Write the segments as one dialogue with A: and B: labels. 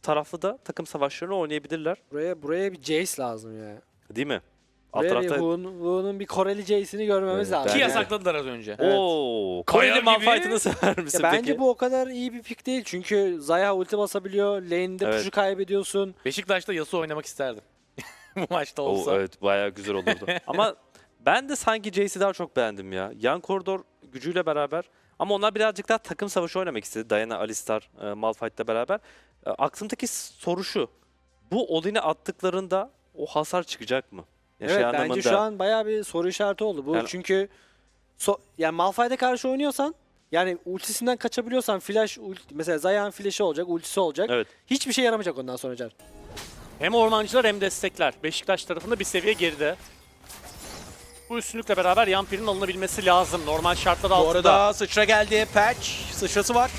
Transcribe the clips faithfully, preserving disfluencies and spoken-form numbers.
A: taraflı da takım savaşlarını oynayabilirler.
B: Buraya buraya bir Jace lazım ya.
A: Değil mi? Alt
B: Buraya bir
A: tarafta...
B: Wu'nun bir Koreli Jace'ini görmemiz
A: Evet,
B: lazım.
A: bence
C: Ki
A: de.
C: yasakladılar az önce.
B: Evet.
A: Oo,
C: Kaya
A: Koreli
C: gibi.
A: Malphite'ını sever misin
B: Ya bence
A: peki?
B: bu o kadar iyi bir pick değil. Çünkü Zaya ulti basabiliyor. Lane'de
A: Evet.
B: push'u kaybediyorsun.
C: Beşiktaş'ta Yasuo oynamak isterdim. Bu maçta
A: Oo,
C: olsa.
A: evet, bayağı güzel olurdu. Ama ben de sanki Jace'i daha çok beğendim ya. Yan koridor gücüyle beraber. Ama onlar birazcık daha takım savaşı oynamak istedi. Diana, Alistar, e, Malphite'la beraber. E, aklımdaki soru şu. Bu Odin'e attıklarında o hasar çıkacak mı? Ya şey
B: Evet bence
A: anlamında-
B: şu an bayağı bir soru işareti oldu. Bu
A: Yani-
B: çünkü so yani Malphite'e karşı oynuyorsan yani ultisinden kaçabiliyorsan flash ulti, mesela Zaya'nın flash'ı olacak, ultisi olacak.
A: Evet.
B: Hiçbir şey yaramayacak ondan sonra Can.
D: Hem ormancılar hem destekler. Beşiktaş tarafında bir seviye geride. Bu üstünlükle beraber Yampir'in alınabilmesi lazım. Normal şartlar
E: Bu
D: altında.
E: arada sıçra geldi. Patch. Sıçrası var.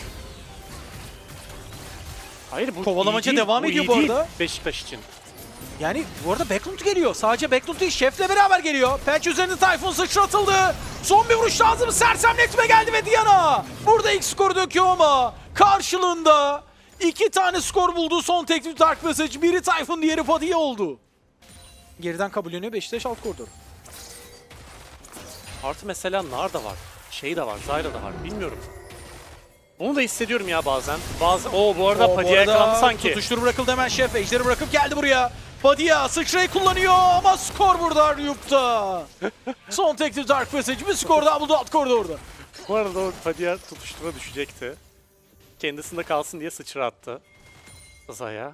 D: Hayır bu
E: kovalamaca
D: iyi değil,
E: devam
D: bu
E: ediyor
D: iyi
E: bu
D: değil
E: arada.
D: Beşiktaş için.
E: Yani bu arada Backlund geliyor. Sadece Backlund değil, Chef'le beraber geliyor. Patch üzerinde Typhoon sıçratıldı. Son bir vuruş lazım. Sersemletme geldi ve Diana burada ilk skoru döküyor ama karşılığında iki tane skor buldu son teklif Dark Passage. Biri Typhoon, diğeri Padilla oldu. Geriden kabulleniyor Beşiktaş alt koridor.
D: Artı mesela Nar da var. Şey de var, Zyra da var. Bilmiyorum. Onu da hissediyorum ya bazen. Bazen. Oo bu arada
E: O, bu
D: Padilla
E: arada
D: yakalandı sanki.
E: Tutuştur bırakıldı hemen Chef. Ejderi bırakıp geldi buraya. Padilla sıçrayı kullanıyor ama skor burada Ryup'ta. Son teklif Dark Passage. Bir skor daha buldu alt koridorda.
D: Bu arada o Padilla tutuştura düşecekti. Kendisinde kalsın diye sıçra attı. Zaya.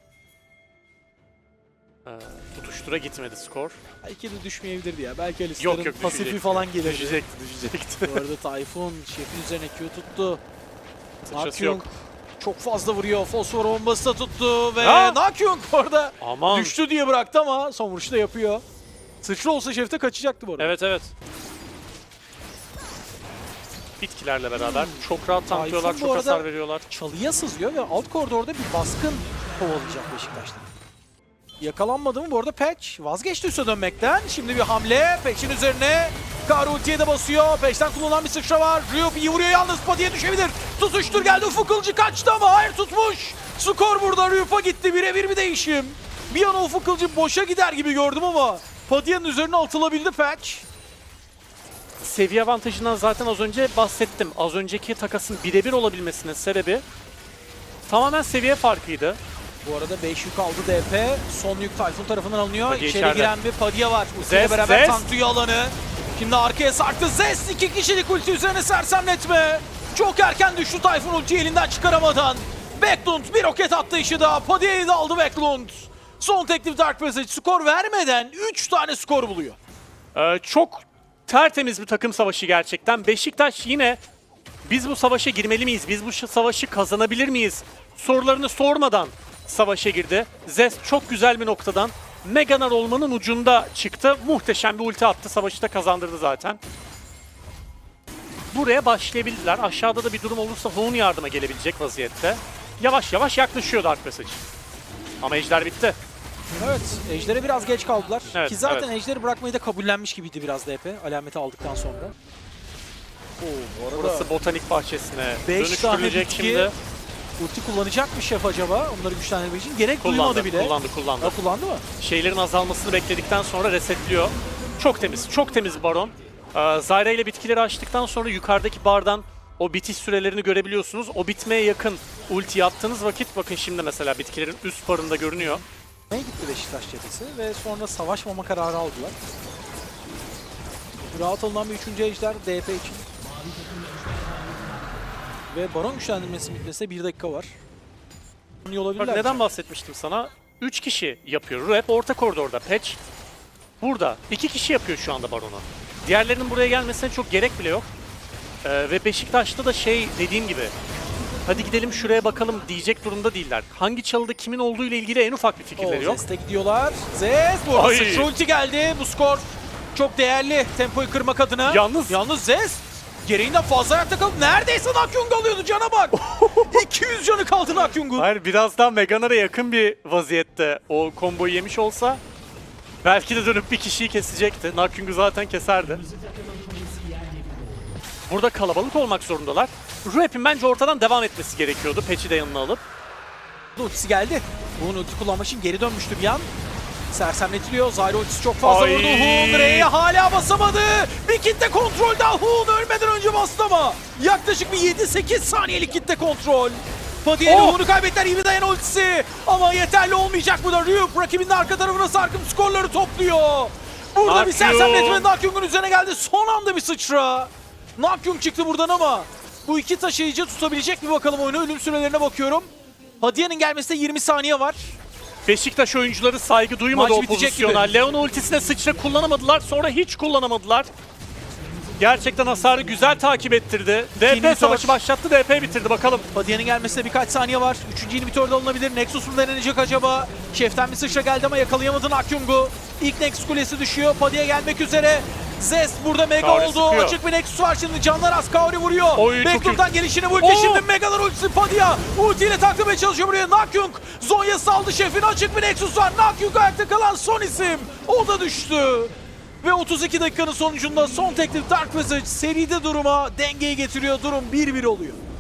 D: Ee, tutuştura gitmedi skor.
E: Belki de düşmeyebilirdi ya. Belki Alistar'ın
D: Yok yok
E: pasifi
D: düşecekti.
E: falan gelirdi.
D: Düşecekti, düşecekti.
E: Bu arada Typhoon Chef'in üzerine Q tuttu.
D: Sıçrası
E: Nakyung
D: yok.
E: çok fazla vuruyor. Fosfor bombası da tuttu ve
D: Ha!
E: Nakyung orada
D: Aman.
E: düştü diye bıraktı ama son vuruşu da yapıyor. Sıçra olsa Chef'te kaçacaktı bu arada.
D: Evet evet. Bitkilerle beraber çok rahat tanklıyorlar,
E: Typhoon bu
D: çok
E: arada-
D: hasar veriyorlar.
E: Çalıya sızıyor ve alt koridorda bir baskın kovalayacak Beşiktaş'ta. Yakalanmadı mı? Bu arada Patch vazgeçti üste dönmekten. Şimdi bir hamle. Patch'in üzerine Kar ultiye de basıyor. Patch'ten kullanılan bir sıçra var. Ryup iyi vuruyor yalnız. Padilla düşebilir. Tutuştur geldi. Ufuk Kılıcı kaçtı ama hayır tutmuş. Skor burada Ryup'a gitti. Birebir bir değişim. Bir an Ufuk Kılıcı boşa gider gibi gördüm ama Padilla'nın üzerine atılabildi Patch.
D: Seviye avantajından zaten az önce bahsettim. Az önceki takasın birebir olabilmesinin sebebi tamamen seviye farkıydı.
E: Bu arada beş yük aldı D P. Son yük Typhoon tarafından alınıyor.
D: Padilla
E: İçeri
D: içeride.
E: giren bir Padilla var. Ultiyle
D: Zest,
E: beraber
D: Zest.
E: tanklıyor alanı. Şimdi arkaya sarktı. Zest iki kişilik ulti üzerine sersemletme. Çok erken düştü Typhoon ultiyi elinden çıkaramadan. Backlund bir roket attı işi daha. Padilla'yı da aldı Backlund. Son teklif Dark Passage skor vermeden üç tane skor buluyor.
D: Ee, çok tertemiz bir takım savaşı gerçekten. Beşiktaş yine biz bu savaşa girmeli miyiz? Biz bu savaşı kazanabilir miyiz? Sorularını sormadan savaşa girdi. Zest çok güzel bir noktadan Meganar olmanın ucunda çıktı. Muhteşem bir ulti attı. Savaşı da kazandırdı zaten. Buraya başlayabilirler. Aşağıda da bir durum olursa Hoon yardıma gelebilecek vaziyette. Yavaş yavaş yaklaşıyor Dark Passage. Ama ejder bitti.
E: Evet, Ejder'e biraz geç kaldılar.
D: Evet,
E: Ki zaten
D: evet.
E: Ejder'i bırakmayı da kabullenmiş gibiydi biraz D P. Alameti aldıktan sonra. Oo, bu arada
D: Burası botanik bahçesine
E: beş tane
D: dönüştürülecek
E: bitki.
D: şimdi.
E: ulti kullanacak mı Şef acaba? Onları güçlendirmek için. Gerek
D: Kullandı,
E: duymadı bile.
D: kullandı, kullandı.
E: Ha, kullandı mı?
D: Şeylerin azalmasını bekledikten sonra resetliyor. Çok temiz, çok temiz Baron. Ee, Zyra ile bitkileri açtıktan sonra yukarıdaki bardan o bitiş sürelerini görebiliyorsunuz. O bitmeye yakın ulti attığınız vakit bakın şimdi mesela bitkilerin üst barında görünüyor.
E: Ne gitti Beşiktaş cephesi ve sonra savaşmama kararı aldılar. Rahat alınan bir üçüncü ejder D P için. Ve Baron güçlendirmesi bitmesine bir dakika var. İyi
D: Bak
E: olabilirler.
D: neden bahsetmiştim sana? üç kişi yapıyor. Rep orta koridorda. Patch burada. iki kişi yapıyor şu anda Baron'u. Diğerlerinin buraya gelmesine çok gerek bile yok. Ee, ve Beşiktaş'ta da şey dediğim gibi hadi gidelim şuraya bakalım diyecek durumda değiller. Hangi çalıda kimin olduğu ile ilgili en ufak bir fikirleri
E: Oo,
D: yok.
E: Zest'e gidiyorlar. Zest bu arada
D: Ay.
E: sıçra ulti geldi. Bu skor çok değerli tempoyu kırmak adına.
D: Yalnız-
E: Yalnız Zest gereğinden fazla ayakta kalıp neredeyse Nakyung alıyordu, cana bak. iki yüz canı kaldı Nakyung'un.
D: Hayır biraz daha Meganar'a yakın bir vaziyette o komboyu yemiş olsa belki de dönüp bir kişiyi kesecekti. Nakyung'u zaten keserdi. Burada kalabalık olmak zorundalar. Rap'in bence ortadan devam etmesi gerekiyordu. Patch'i de yanına alıp.
E: Ultisi geldi. Huğun ulti kullanmak için geri dönmüştü bir an. Sersemletiliyor. Zyra ultisi çok fazla
D: Ay.
E: vurdu. Huğun R'ye hala basamadı. Bir kitle kontrol daha. Huğun ölmeden önce bastı ama. Yaklaşık bir yedi sekiz saniyelik kitle kontrol. Padilla
D: Oh.
E: Huğun'u kaybettiler. İyi bir dayan ultisi. Ama yeterli olmayacak bu da. Ryuk rakibinin arka tarafına sarkıp skorları topluyor. Burada bir
D: Nakyung.
E: sersemletme Nakyung'un üzerine geldi. Son anda bir sıçra. Nakyung çıktı buradan ama bu iki taşıyıcı tutabilecek mi bakalım oyunu. Ölüm sürelerine bakıyorum. Hadiye'nin gelmesine yirmi saniye var.
D: Beşiktaş oyuncuları saygı duymadı
E: Maç
D: o
E: bitecek
D: pozisyona.
E: gibi.
D: Leon ultisine sıçra kullanamadılar. Sonra hiç kullanamadılar. Gerçekten hasarı güzel takip ettirdi. D P
E: inhibitor.
D: savaşı başlattı. D P bitirdi bakalım.
E: Hadiye'nin gelmesine birkaç saniye var. Üçüncü inhibitor da alınabilir. Nexus mu denenecek acaba? Şef'ten bir sıçra geldi ama yakalayamadı Nakyung'u. İlk Nexus kulesi düşüyor. Padilla gelmek üzere. Zest burada mega
D: Kaori
E: oldu.
D: sıkıyor.
E: Açık bir Nexus var şimdi. Canlar az. Kaori vuruyor.
D: Oy, çok
E: Backdoor'dan gelişini vurdu.
D: Oo.
E: Şimdi Megalar ultisi Padilla. Ultiyle taklamaya çalışıyor buraya. Nakyung. Zonya saldı şefin. Açık bir Nexus var. Nakyung ayakta kalan son isim. O da düştü. Ve otuz iki dakikanın sonucunda son teklif Dark Passage seride duruma dengeyi getiriyor. Durum bir bir oluyor.